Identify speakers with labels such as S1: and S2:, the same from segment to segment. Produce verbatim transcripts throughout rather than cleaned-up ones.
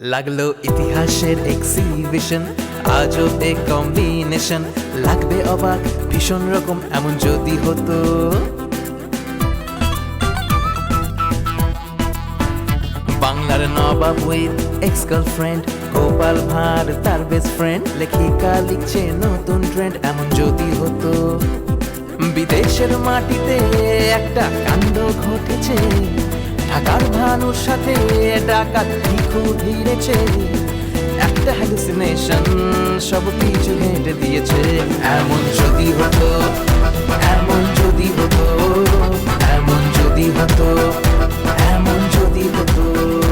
S1: লাগলো ইতিহাসের এক্সিবিশন, আজব এ কম্বিনেশন, লাগবে অবাক ভীষণ রকম এমন যদি হতো। বাংলার নবাব with ex girlfriend, Gopal Bhar তার বেস্ট ফ্রেন্ড, লেখিকা লিখছে নতুন ট্রেন্ড এমন যদি হতো। বিদেশের মাটিতে একটা কাণ্ড ঘটেছে, ঢাকার ভানুর সাথে ডাকাত ভিখু ভিড়েছে, একটা হ্যালুসিনেশন সব কিছু হেঁটে দিয়েছে। এমন যদি হতো, এমন যদি হতো, এমন যদি হতো, এমন যদি হতো।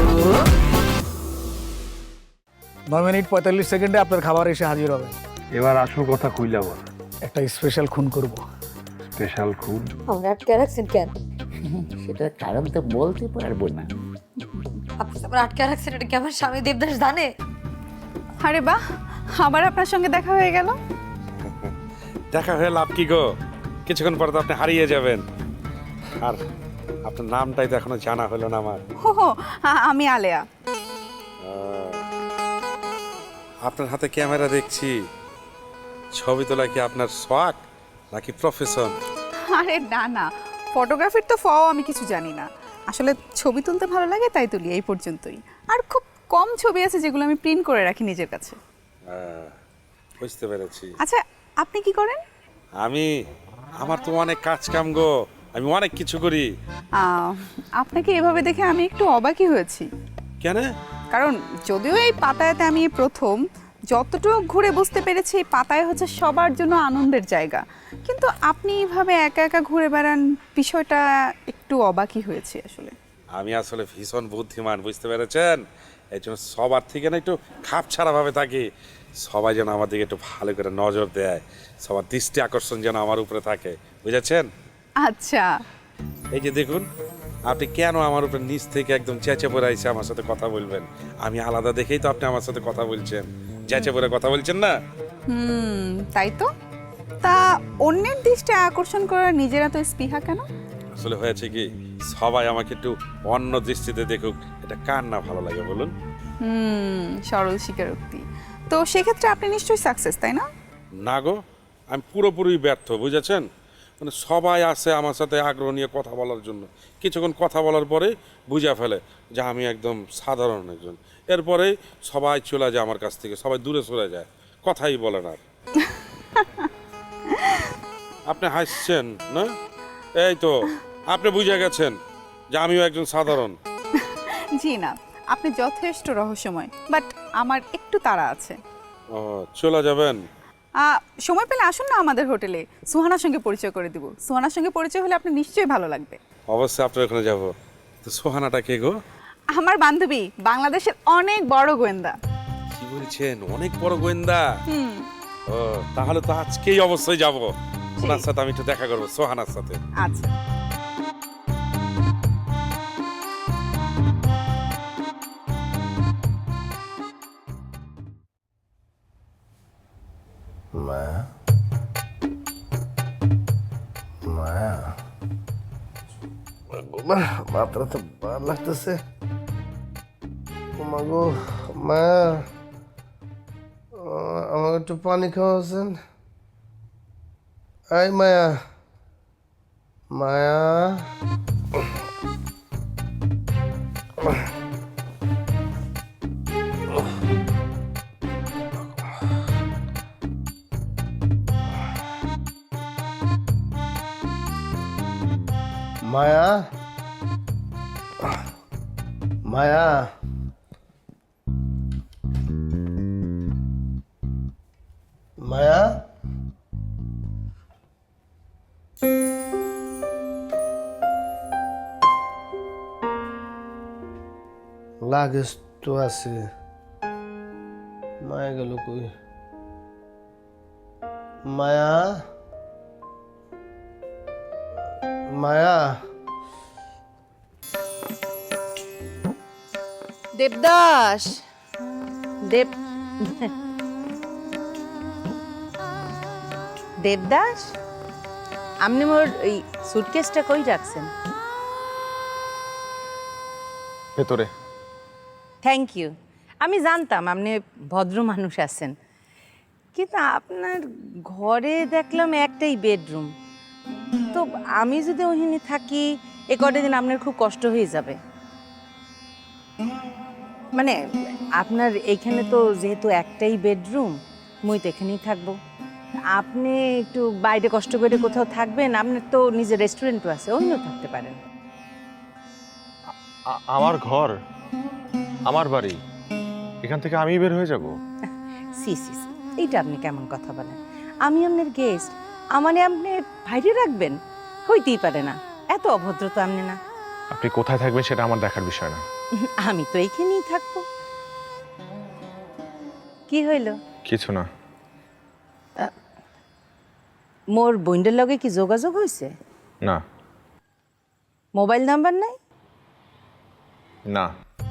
S2: নয় মিনিট পঁয়তাল্লিশ সেকেন্ডে আপনার খাবার এসে হাজির হবে।
S3: এবার আসল কথা কইলা বল।
S2: একটা স্পেশাল খুন করব।
S3: স্পেশাল খুন?
S4: আমরা আটকে রাখছেন কেন?
S5: সেটা কারণ তো বলতে পারবো না।
S4: আপনি আমার আটকে রাখছেন, এটা কি আমার স্বামী দেবদাস জানে?
S6: আরে বাহ, আবার আপনার সঙ্গে দেখা হয়ে গেল।
S7: দেখা হয়ে লাভ কি গো, কিছুক্ষণ পরে তো আপনি হারিয়ে যাবেন। আর আপনার নামটাই তো এখনো জানা হলো না আমার।
S6: হো হো, আ- আমি আলেয়া।
S7: আপনার হাতে ক্যামেরা দেখছি, ছবি তোলা কি আপনার শখ নাকি প্রফেশন?
S6: আরে না না, ফটোগ্রাফির তো ফও আমি কিছু জানি না। আসলে ছবি তুলতে ভালো লাগে তাই তুলি, এই পর্যন্তই। আর খুব কম ছবি আছে যেগুলো আমি প্রিন্ট করে রাখি নিজের কাছে।
S7: বুঝতে পেরেছি।
S6: আচ্ছা, আপনি কি করেন?
S7: আমি, আমার তো অনেক কাজ কাম গো, আমি অনেক কিছু করি।
S6: আহ, আপনাকে এভাবে দেখে আমি একটু অবাকই হয়েছি।
S7: কেন?
S6: কারণ যদিও এই পাতায়াতে আমি এই প্রথম, যতটুকু ঘুরে বুঝতে পেরেছি এই পাতায় হচ্ছে সবার জন্য আনন্দের জায়গা, কিন্তু আপনি এইভাবে একা একা ঘুরে বেড়ান, বিষয়টা একটু অবাকই হয়েছে আসলে।
S7: আমি আসলে ভীষণ বুদ্ধিমান, বুঝতে পেরেছেন? এই জন্য সবার থেকে না একটু খাপ ছাড়া ভাবে থাকি, সবাই যেন আমার দিকে একটু ভালো করে নজর দেয়, সবার দৃষ্টি আকর্ষণ যেন আমার উপরে থাকে, বুঝেছেন?
S6: আচ্ছা,
S7: এই যে দেখুন, আপনি কেন আমার উপরে নিচ থেকে একদম চেঁচে পড়ে আইসে আমার সাথে কথা বলবেন? আমি আলাদা দেখেই তো আপনি আমার সাথে কথা বলছেন, চেঁচে পড়ে কথা বলছেন না।
S6: হুম, তাই তো। তা অন্যের দৃষ্টি আকর্ষণ করার নিজেরা তো স্পৃহা কেন?
S7: আসলে হয়েছে কি, সবাই আমাকে একটু অন্য দৃষ্টিতে দেখুক, এটা কার না ভালো লাগে বলুন?
S6: হুম, সরল স্বীকারোক্তি। তো সেক্ষেত্রে আপনি নিশ্চয়ই সাকসেস, তাই না?
S7: না গো, আমি পুরোপুরি ব্যর্থ, বুঝেছেন? মানে সবাই আসে আমার সাথে আগ্রহ নিয়ে কথা বলার জন্য, কিছুক্ষণ কথা বলার পরে বুঝে ফেলে যে আমি একদম সাধারণ একজন, এরপরে সবাই চলে যায় আমার কাছ থেকে, সবাই দূরে সরে যায়, কথাই বলে না। আপনি হাসছেন না? এই তো আপনি বুঝে গেছেন যে আমিও একজন সাধারণ।
S6: জি না, আপনি যথেষ্ট রহস্যময়, বাট আমার একটু তাড়া আছে।
S7: ও, চলে যাবেন?
S6: আহ, সময় পেলে আসুন না আমাদের হোটেলে, সুহানার সঙ্গে পরিচয় করে দিব। সুহানার সঙ্গে পরিচয় হলে আপনার নিশ্চয়ই ভালো লাগবে।
S7: অবশ্যই আপনার ওখানে যাব। তো সোহানাটা কে গো?
S6: আমার বান্ধবী, বাংলাদেশের অনেক বড় গোয়েন্দা।
S7: কি বলছেন, অনেক বড় গোয়েন্দা?
S6: হুম,
S7: ও, তাহলে তো আজকেই অবশ্যই যাব, ওনার সাথে আমি একটু দেখা করবো, সোহানার সাথে।
S6: আচ্ছা।
S5: মায়া, মায়া, মাত্রা তো ভালো লাগতেছে। মাগো মায়া, আমাকে একটু পানি খাওয়াছেন? এই মায়া, মায়া, মায়া, মায়া, মায়া, লাগেজ তো আছে, মায়া গেল কই? মায়া, মায়া,
S4: দেবদাস, দেব
S8: দেবদাস, আপনি মোর ওই সুটকেসটা কই রাখছেন?
S3: ভেতরে।
S8: Thank you. আমি জানতাম আপনি ভদ্র মানুষ আছেন, কিন্তু আপনার ঘরে দেখলাম একটাই বেডরুম। তো আমি যদি ওখানে থাকি এ কটা দিন আপনার খুব কষ্ট হয়ে যাবে। মানে আপনার এইখানে তো যেহেতু একটাই বেডরুম, মুই তো এখানেই থাকবো। আপনি একটু বাইরে কষ্ট করে কোথাও থাকবেন, আপনার তো নিজের রেস্টুরেন্টও আছে, অন্য থাকতে পারেন।
S9: আ- আমার ঘর, আমার বাড়ি, এখান থেকে আমি বের হয়ে যাব?
S8: সি সি সি, এইটা আপনি কেমন কথা বলেন? আমি আপনার গেস্ট, আমারে আপনি বাইরে রাখবেন? হইতেই পারে না, এত অভদ্র তো আপনি না।
S9: আপনি কোথায় থাকবেন সেটা আমার দেখার বিষয় না।
S8: আমি তো এইখানেই থাকবো। কি হইল?
S9: কিছু না।
S8: মোর বইন্ডের লগে কি যোগাযোগ হয়েছে?
S9: না
S8: মোবাইল নাম্বার নাই?
S9: না।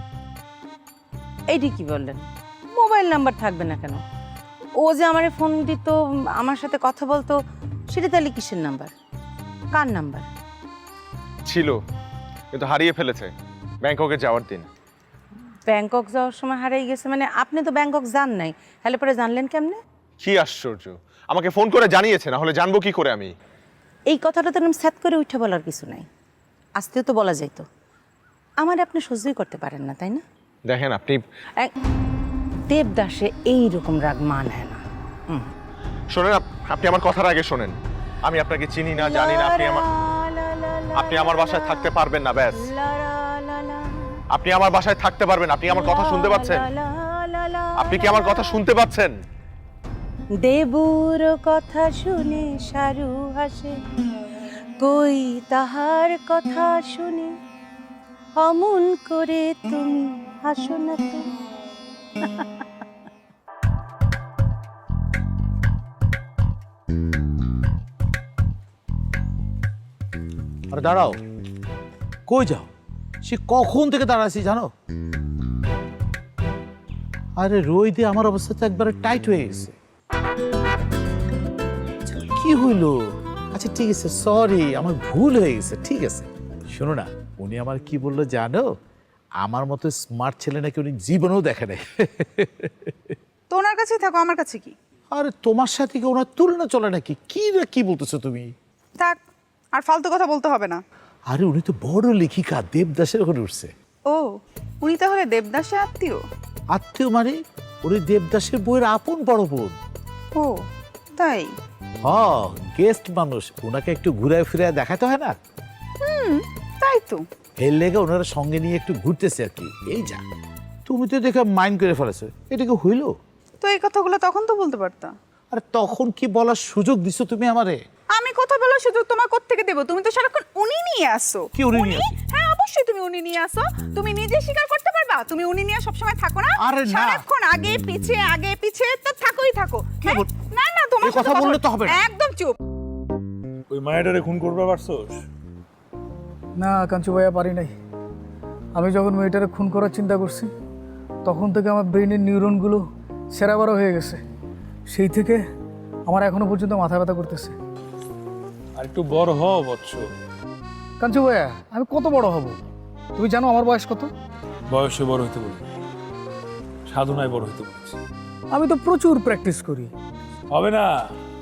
S8: এইটি কি বললেন? মোবাইল নাম্বার থাকবে না কেন? ও যে আমার ফোন দিত, আমার সাথে কথা বলতো, সেটা তাহলে কিসের নাম্বার? কার নাম্বার?
S9: ছিল, কিন্তু হারিয়ে ফেলেছে ব্যাংককে যাওয়ার দিন।
S8: ব্যাংকক যাওয়ার সময় হারিয়ে গেছে? মানে আপনি তো ব্যাংকক যান নাই, তাহলে পরে জানলেন কেমনে?
S9: কি আশ্চর্য, আমাকে ফোন করে জানিয়েছে, না হলে জানবো কি করে আমি?
S8: এই কথাটা তো এরকম স্যাত করে উঠে বলার কিছু নাই, আজকেও তো বলা যাইতো। আমার আপনি সহ্যই করতে পারেন না, তাই না?
S9: দেখেন আপনি,
S8: এক- দেবদাসে এইরকম রাগ মানায় না। হুম।
S9: শোনেন, আপ- আপনি আমার কথার আগে শোনেন। আমি আপনাকে চিনি না, জানি না। আপনি আমার আপনি আমার বাসায় থাকতে পারবেন না, ব্যাস। আপনি আমার বাসায় থাকতে পারবেন, আপনি আমার কথা শুনতে পাচ্ছেন? আপনি কি আমার কথা শুনতে পাচ্ছেন?
S8: দেবুর কথা শুনে সারু হাসে, কই তাহার কথা শুনে অমন করে তুমি হাসো না তো।
S10: আরে দাঁড়াও, কই যাও? সে কখন থেকে দাঁড়াচ্ছি জানো? আরে রোদে আমার অবস্থা তো একবারে টাইট হয়ে গেছে। আচ্ছা, কি হইল? আচ্ছা ঠিক আছে, সরি, আমার ভুল হয়ে গেছে, ঠিক আছে। শোনো না, উনি আমার কি বললো জানো? আমার মতো স্মার্ট ছেলে নাকি উনি জীবনেও দেখে নাই।
S6: তো ওনার কাছেই থাকো, আমার কাছে কি?
S10: আরে তোমার সাথে কি ওনার তুলনা চলে নাকি? কি না কি বলতেছো তুমি?
S6: থাক, আর ফালতু কথা বলতে হবে না।
S10: আরে উনি তো বড় লেখিকা, দেবদাসের ওখানে উঠছে।
S6: ও, উনি তাহলে দেবদাসে আত্মীয়?
S10: আত্মীয় মানে উনি দেবদাসের বইয়ের আপন বড় বোন।
S6: ও তাই?
S10: হ্যাঁ, গেস্ট মানুষ, ওনাকে একটু ঘুরায় ফিরায় দেখাতে হয় না?
S6: হুম, তাই তো।
S10: এর লেগে ওনারা সঙ্গে নিয়ে একটু ঘুরতেছে আর কি, এই যা। তুমি তো দেখে মাইন্ড করে ফেলেছো, এটা কি হইলো?
S6: তো এই কথাগুলো তখন তো বলতে পারতা।
S10: আরে তখন কি বলার সুযোগ দিছো তুমি আমারে?
S6: আমি কথা বলার সুযোগ তোমার কোত্থেকে দেবো? তুমি তো সারাক্ষণ উনি নিয়ে আসো।
S10: কি উনি নিয়ে আসো?
S6: হ্যাঁ অবশ্যই তুমি উনি নিয়ে আসো। তুমি নিজে স্বীকার করতে পারবা তুমি উনি নিয়ে সবসময় থাকো না?
S10: আরে না।
S6: সারাক্ষণ আগে পিছে আগে পিছে তো থাকোই থাকো।
S10: কি
S6: হ্যাঁ?
S10: বল-
S6: না না, তোমার
S10: এই কথা
S6: সাথে
S10: বললে তো হবে না।
S6: একদম চুপ।
S7: ওই মায়েটারে খুন করবে পারছোস?
S2: না কাঞ্চু ভাইয়া, পারি নাই। আমি যখন মেয়েটারে খুন করার চিন্তা করছি তখন থেকে আমার ব্রেনের নিউরনগুলো সেরাবারও হয়ে গেছে। সেই থেকে আমার এখনো পর্যন্ত মাথা ব্যথা করতেছে।
S7: আর একটু বড় হও বৎস।
S2: কাঞ্চু ভাইয়া, আমি কত বড় হব? তুমি জানো আমার বয়স কত?
S7: বয়সে বড় হইতে বলি, সাধনায় বড় হইতে বলেছি।
S2: আমি তো প্রচুর প্র্যাকটিস করি।
S7: হবে না,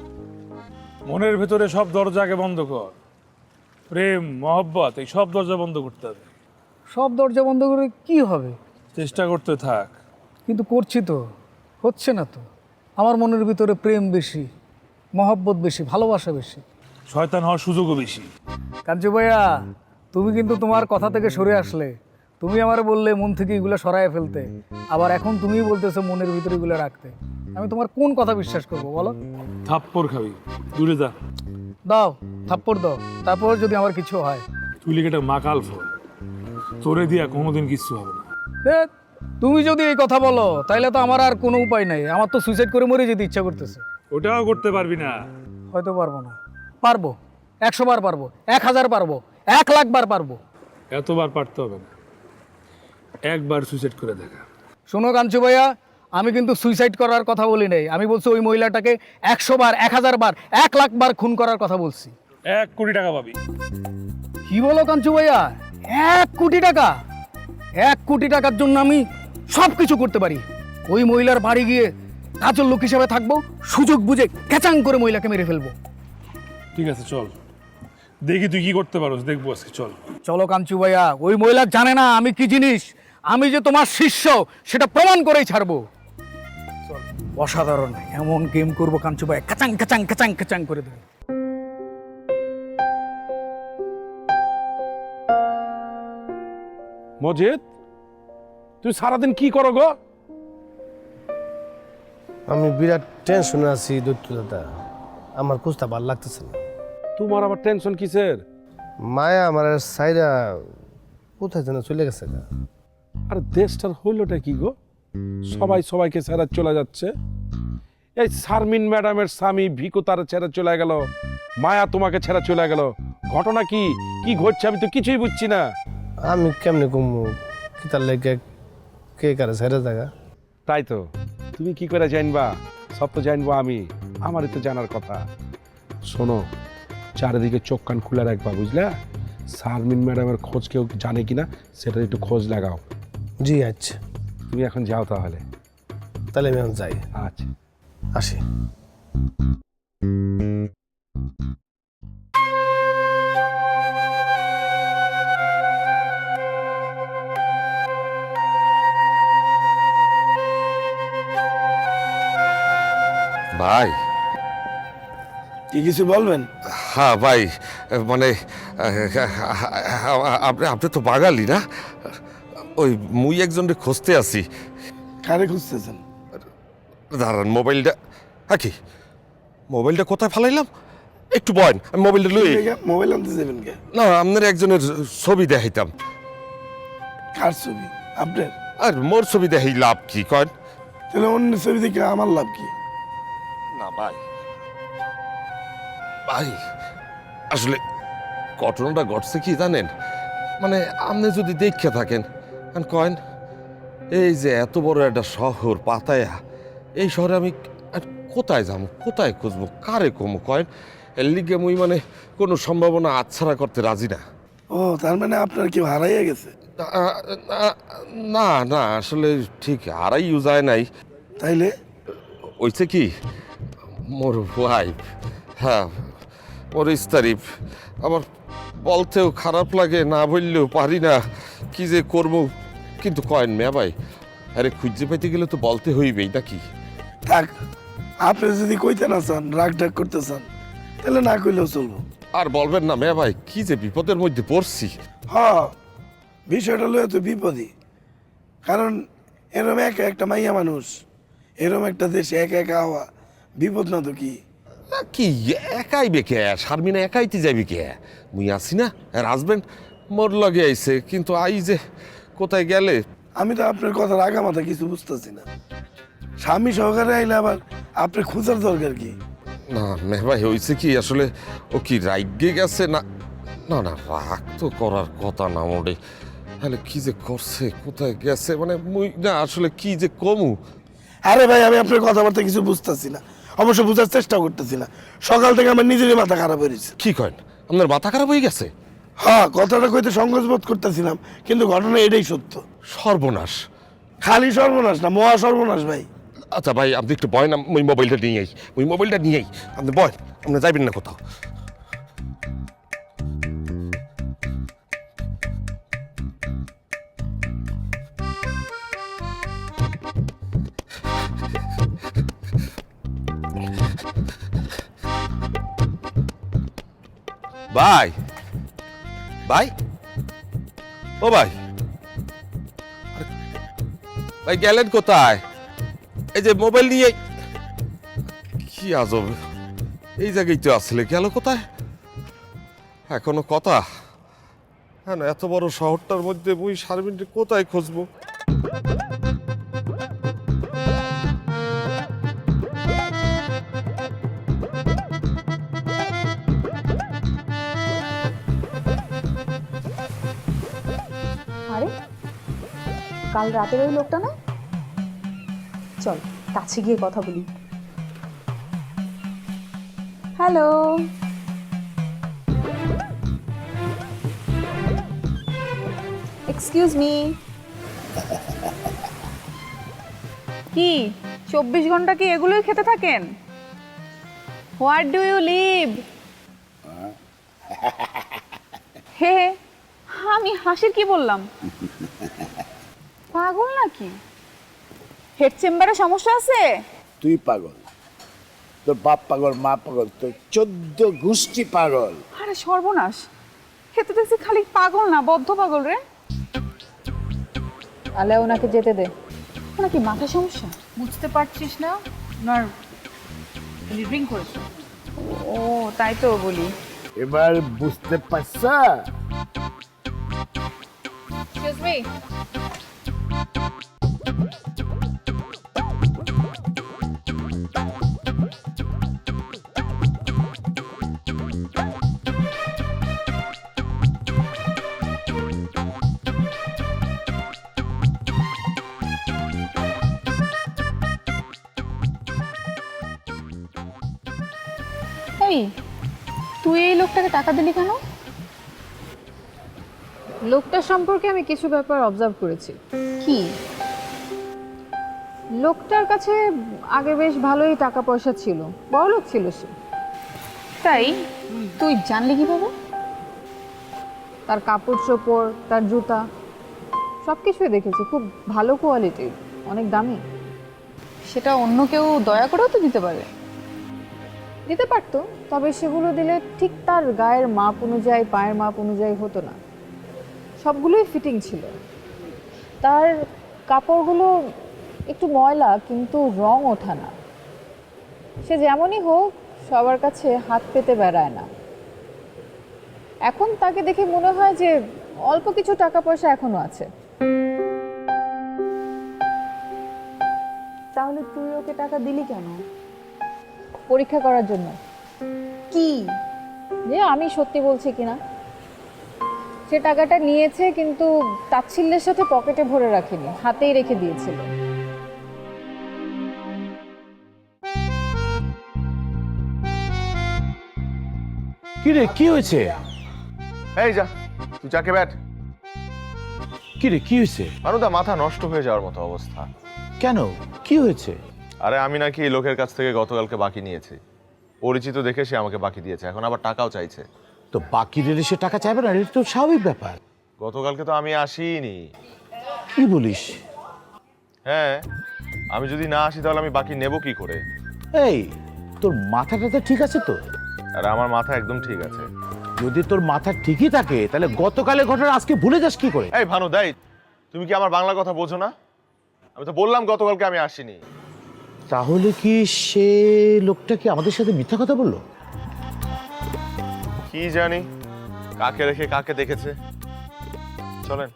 S7: মনের ভেতরে সব দরজাকে বন্ধ কর। প্রেম মহব্বত এই সব দরজা বন্ধ করতে হবে।
S2: সব দরজা বন্ধ করে কি হবে?
S7: চেষ্টা করতে থাক।
S2: কিন্তু করছি তো, হচ্ছে না তো। আমার মনের ভিতরে প্রেম বেশি, মহব্বত বেশি, ভালোবাসা বেশি।
S7: শয়তান হওয়ার সুযোগও বেশি।
S2: কাঞ্চু ভাইয়া, তুমি কিন্তু তোমার কথা থেকে সরে আসলে। তুমি আমারে বললে মন থেকে এগুলো সরায় ফেলতে, আবার এখন তুমিই বলতেছো মনের ভিতরে এগুলো রাখতে। আমি তোমার কোন কথা বিশ্বাস করবো বলো?
S7: থাপ্পড় খাবি, দূরে যা।
S2: দাও, থাপ্পড় দাও, তারপর যদি আমার কিছু হয়।
S7: তুই লিখেটা মাকাল ফল, তোরে দিয়া কোনোদিন কিচ্ছু হবে না।
S2: এ, তুমি যদি এই কথা বলো তাহলে তো আমার আর কোনো উপায় নাই। আমার তো সুইসাইড করে মরে যেতে ইচ্ছা করতেছে।
S7: ওটাও করতে পারবি না।
S2: হয়তো পারবো না। পারবো, একশো বার পারবো, এক হাজার পারবো, এক লাখ বার পারবো।
S7: এতবার পারতে হবে না, একবার সুইসাইড করে দেখা।
S2: শোনো কাঞ্চু ভাইয়া, আমি কিন্তু সুইসাইড করার কথা বলি নাই। আমি বলছি ওই মহিলাটাকে একশো বার, এক হাজার বার, এক লাখ বার খুন করার কথা বলছি।
S7: এক কোটি টাকা পাবি।
S2: কি বলো কাঞ্চু ভাইয়া? এক কোটি টাকা? এক কোটি টাকার জন্য আমি সব কিছু করতে পারি। ওই মহিলার বাড়ি গিয়ে কাজের লোক হিসেবে থাকবো, সুযোগ বুঝে ক্যাচাং করে মহিলাকে মেরে ফেলবো।
S3: ঠিক আছে চল, দেখি তুই কি করতে পারোস, দেখবো আজকে চল।
S2: চলো কাঞ্চু ভাইয়া, ওই মহিলা জানে না আমি কি জিনিস, আমি যে তোমার শিষ্য সেটা প্রমাণ করেই ছাড়বো। অসাধারণ, এমন গেম করবো কাঞ্চু ভাই, কাচাং কাচাং কাচাং কাচাং করে দেবো।
S7: মজিদ, তুই সারাদিন কি করো গো?
S5: আমি বিরাট টেনশনে আছি দৈত্য দাদা, আমার কুস্তা ভাল লাগতেছে না।
S7: তোমার আবার টেনশন কিসের?
S5: মায়া আমার সাইরা কোথায় যেন চলে গেছে গা।
S7: আর দেশটার হইলটা কি গো? সবাই সবাইকে ছেড়ে চলে যাচ্ছে। এই শারমিন ম্যাডামের স্বামী ভিকু তার ছেড়ে চলে গেল, মায়া তোমাকে ছেড়ে চলে গেল। ঘটনা কি কি ঘটছে আমি তো কিছুই বুঝছি না।
S5: আমি কেমনে কমু কি তার লেগে কে কারে ছেড়ে জায়গা?
S7: তাই তো, তুমি কি করে জানবা? সব তো জানবো আমি, আমারই তো জানার কথা। শোনো, চারিদিকে চোখ কান খুলে রাখবা, বুঝলা? শারমিন ম্যাডামের খোঁজ কেউ জানে কিনা সেটা একটু খোঁজ লাগাও।
S5: জি আচ্ছা,
S7: তুমি এখন যাও তাহলে।
S5: তাহলে আমি এখন যাই,
S7: আচ্ছা
S5: আসি।
S11: ভাই,
S5: কি কিছু বলবেন?
S11: হ্যাঁ ভাই, মানে আপনি আপনি তো বাঙালি না? ওই মুই একজনকে খুঁজতে আছি।
S5: কারে খুঁজতেছেন?
S11: দাঁড়ান, মোবাইলটা হ্যাঁ কি মোবাইলটা কোথায় ফেলাইলাম? একটু বয়েন, আমি মোবাইলটা লই।
S5: মোবাইল আনতে যাবেন কে?
S11: না, আপনার একজনের ছবি দেখাইতাম।
S5: কার ছবি? আপনার?
S11: আর মোর ছবি দেখাই লাভ কি কন?
S5: তাহলে অন্য ছবি দেখে আমার লাভ কি?
S11: না ভাই, ভাই আসলে ঘটনাটা ঘটছে কি জানেন? মানে আপনি যদি দেখে থাকেন কয়েন, এই যে এত বড় একটা শহর পাতায়া, এই শহরে আমি আর কোথায় যাবো, কোথায় খুঁজবো, কারে কমু কয়েন? এর লিগে মুই মানে কোনো সম্ভাবনা আচ্ছাড়া করতে রাজি না।
S5: ও, তার মানে আপনার কেউ হারাইয়া গেছে?
S11: না না, আসলে ঠিক হারাইও যায় নাই।
S5: তাইলে
S11: ওইছে কি, মোর ওয়াইফ, হ্যাঁ মোর স্তারিফ, আমার বলতেও খারাপ লাগে, না বললেও পারি না কি যে করবো। কিন্তু কয়েন মেয়া ভাই, আরে খুঁজে পাইতে গেলে তো বলতে হইবেই নাকি?
S5: থাক, আপনি যদি কইতে না চান, রাগ ডাক করতে চান, তাহলে না কইলেও চলবো।
S11: আর বলবেন না মেয়া ভাই, কি যে বিপদের মধ্যে পড়ছি।
S5: হ্যাঁ, বিষয়টা লয়ে তো বিপদই। কারণ এরম একা একটা মাইয়া মানুষ, এরম একটা দেশে একা একা হওয়া বিপদ না তো কি?
S11: না কি একাই বেকে, শারমিনা একাইতে যাবি কে? মুই আসি না, আর হাজবেন্ড মোর লগে আইছে, কিন্তু আই যে কোথায় গেলে।
S5: আমি তো আপনার কথার আগা মাথা কিছু বুঝতেছি না। স্বামী সহকারে আইলে আবার আপনার খোঁজার দরকার কি?
S11: না মেয়ে ভাই, হয়েছে কি আসলে, ও কি রাইগে গেছে না? না না, রাগ তো করার কথা না মোড়ে। তাহলে কি যে করছে, কোথায় গেছে, মানে মুই না আসলে কি যে কমু।
S5: আরে ভাই, আমি আপনার কথাবার্তা কিছু বুঝতেছি না, অবশ্য বুঝার চেষ্টা করতেছি না। সকাল থেকে আমার নিজেরই মাথা খারাপ হয়েছে।
S11: কি করেন, আপনার মাথা খারাপ হয়ে গেছে?
S5: হ্যাঁ, কথাটা কইতে সংকোচ বোধ করতেছিলাম, কিন্তু ঘটনা এটাই সত্য।
S11: সর্বনাশ!
S5: খালি সর্বনাশ না, মহা সর্বনাশ ভাই।
S11: আচ্ছা ভাই, আপনি একটু বয় না, ওই মোবাইলটা নিয়েই, ওই মোবাইলটা নিয়েই আপনি বয়, আপনি যাবেন না কোথাও। ভাই, ভাই, ও ভাই, ভাই গেলেন কোথায়? এই যে মোবাইল নিয়ে, কি আজব, এই জায়গায় তো আসলে, গেল কোথায়? এখনো কথা, হ্যাঁ না, এত বড় শহরটার মধ্যে বই শারমিনকে কোথায় খুঁজবো?
S12: আরে কাল রাতের ওই লোকটা না? চল কাছে গিয়ে কথা বলি। Hello, excuse me.
S6: কি চব্বিশ ঘন্টা কি এগুলোই খেতে থাকেন? What do you live? হে হে, আমি হাসির কি বললাম? পাগল নাকি? হেড চেম্বারে সমস্যা আছে?
S13: তুই পাগল, তোর বাপ পাগল, মা পাগল, তোর চোদ্দ গোষ্ঠী পাগল।
S6: আরে সর্বনাশ, খেতে দেখছি খালি পাগল না বদ্ধ পাগল রে। আলে ওনাকে যেতে দে। ওনার কি মাথা সমস্যা? বুঝতে পারছিস না? ওনার ড্রিঙ্ক করেছে। ও তাই তো বলি।
S13: এবার বুঝতে পারছা?
S6: Excuse me. এই তুই এই লোকটাকে টাকা দিলি কেন?
S12: লোকটার সম্পর্কে আমি কিছু ব্যাপার অবজার্ভ করেছি।
S6: কি?
S12: লোকটার কাছে আগে বেশ ভালোই টাকা পয়সা ছিল, বড়লোক ছিল সে।
S6: তাই? তুই জানলি কিভাবে?
S12: তার কাপড় চোপড়, তার জুতা, সব কিছুই দেখেছি, খুব ভালো কোয়ালিটির, অনেক দামি।
S6: সেটা অন্য কেউ দয়া করেও তো দিতে পারে।
S12: দিতে পারতো, তবে সেগুলো দিলে ঠিক তার গায়ের মাপ অনুযায়ী, পায়ের মাপ অনুযায়ী হতো না। সবগুলোই ফিটিং ছিল। তার কাপড়গুলো একটু ময়লা, কিন্তু রং ওঠা না। সে যেমনই হোক সবার কাছে হাত পেতে বেড়ায় না। এখন তাকে দেখে মনে হয় যে অল্প কিছু টাকা পয়সা এখনো আছে। তাহলে তুই ওকে টাকা দিলি কেন? পরীক্ষা করার জন্য।
S6: কি?
S12: যে আমি সত্যি বলছি কিনা। সে টাকাটা নিয়েছে, কিন্তু তাচ্ছিল্যের সাথে পকেটে ভরে রাখেনি, হাতেই রেখে দিয়েছিল।
S10: কি রে, কি হয়েছে?
S9: এই যা, তুই যাকে ব্যাট।
S10: কি রে, কি হয়েছে?
S9: মানুদা মাথা নষ্ট হয়ে যাওয়ার মতো অবস্থা।
S10: কেন, কি হয়েছে?
S9: আরে আমি নাকি এই লোকের কাছ থেকে গতকালকে বাকি নিয়েছি। পরিচিত দেখে সে আমাকে বাকি দিয়েছে, এখন আবার টাকাও চাইছে।
S10: তো বাকি রেলে সে টাকা চাইবে না, এটা তো স্বাভাবিক ব্যাপার।
S9: গতকালকে তো আমি আসিনি।
S10: কি বলিস?
S9: হ্যাঁ, আমি যদি না আসি তাহলে আমি বাকি নেব কি করে?
S10: এই, তোর মাথাটা তো ঠিক আছে তো?
S9: আরে আমার মাথা একদম ঠিক আছে।
S10: যদি তোর মাথা ঠিকই থাকে তাহলে গতকালের ঘটনা আজকে ভুলে যাস কি করে?
S9: এই ভানু দাই, তুমি কি আমার বাংলা কথা বোঝো না? আমি তো বললাম গতকালকে আমি আসিনি।
S10: তাহলে কি সে লোকটা কি আমাদের সাথে মিথ্যা কথা বললো?
S9: কি জানি কাকে রেখে কাকে দেখেছে। চলেন।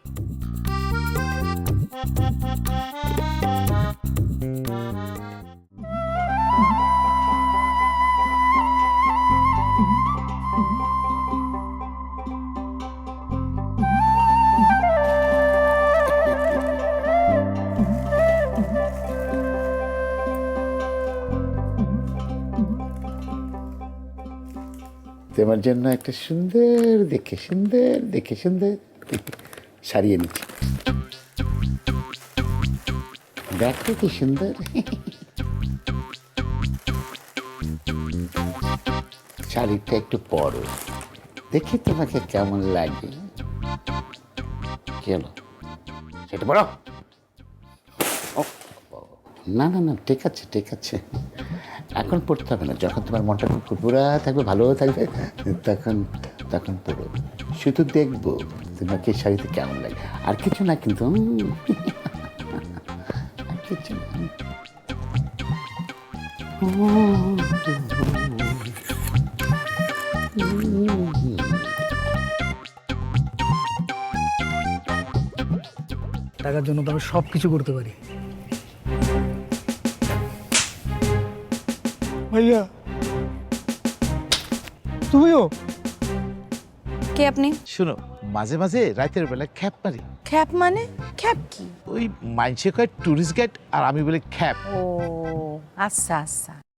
S13: তোমার জন্য একটা সুন্দর দেখে সুন্দর দেখে সুন্দর শাড়ি এনেছি। দেখো কি সুন্দর। শাড়িটা একটু পরো, দেখি তোমাকে কেমন লাগে। কি হলো, সেটা পরো। না না না, ঠিক আছে ঠিক আছে, এখন পড়তে হবে না। যখন তোমার মনটা খুব ফুরফুরা থাকবে, ভালো থাকবে, তখন তখন পড়ো। শুধু দেখবো তোমাকে শাড়িতে কেমন লাগে, আর কিছু না কিন্তু। আর কিছু না।
S2: টাকার জন্য তো আমি সব কিছু করতে পারি। ভাইয়া, তুমিও?
S8: কে আপনি?
S10: শোনো, মাঝে মাঝে রাতের বেলা খ্যাপ মারি।
S8: খ্যাপ মানে? খ্যাপ কি?
S10: ওই মাইনসে কয় টুরিস্ট গাইড, আর আমি বলি খ্যাপ।
S8: ও আচ্ছা আচ্ছা।